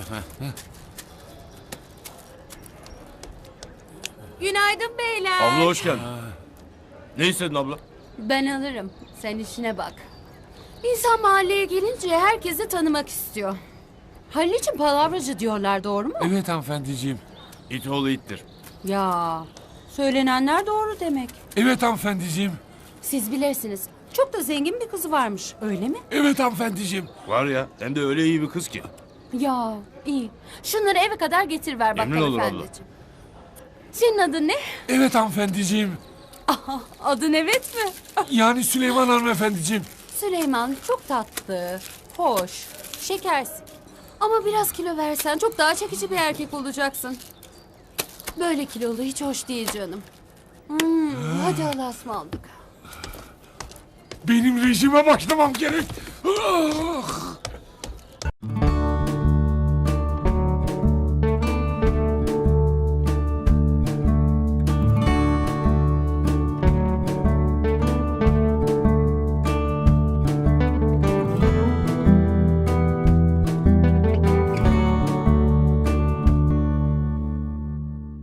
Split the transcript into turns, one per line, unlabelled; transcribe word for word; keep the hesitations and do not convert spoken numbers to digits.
Günaydın beyler.
Abla hoş geldin. Ne istedin abla?
Ben alırım. Sen işine bak. İnsan mahalleye gelince herkesi tanımak istiyor. Halil için palavracı diyorlar, doğru mu?
Evet hanımefendiciğim.
İt oğlu ittir.
Ya, söylenenler doğru demek.
Evet hanımefendiciğim.
Siz bilirsiniz. Çok da zengin bir kızı varmış, öyle mi?
Evet hanımefendiciğim.
Var ya, hem de öyle iyi bir kız ki.
Ya, iyi. Şunları eve kadar getir ver
Memnun
bakkal
olur abla.
efendiciğim. Senin adın ne?
Evet hanımefendiciğim.
Aha, adın evet mi?
Yani Süleyman hanımefendiciğim.
Süleyman çok tatlı, hoş, şekersin. Ama biraz kilo versen çok daha çekici bir erkek olacaksın. Böyle kilolu hiç hoş değil canım. Hmm, hadi Allah'a ısmarladık.
Benim rejime başlamam gerek. Ah!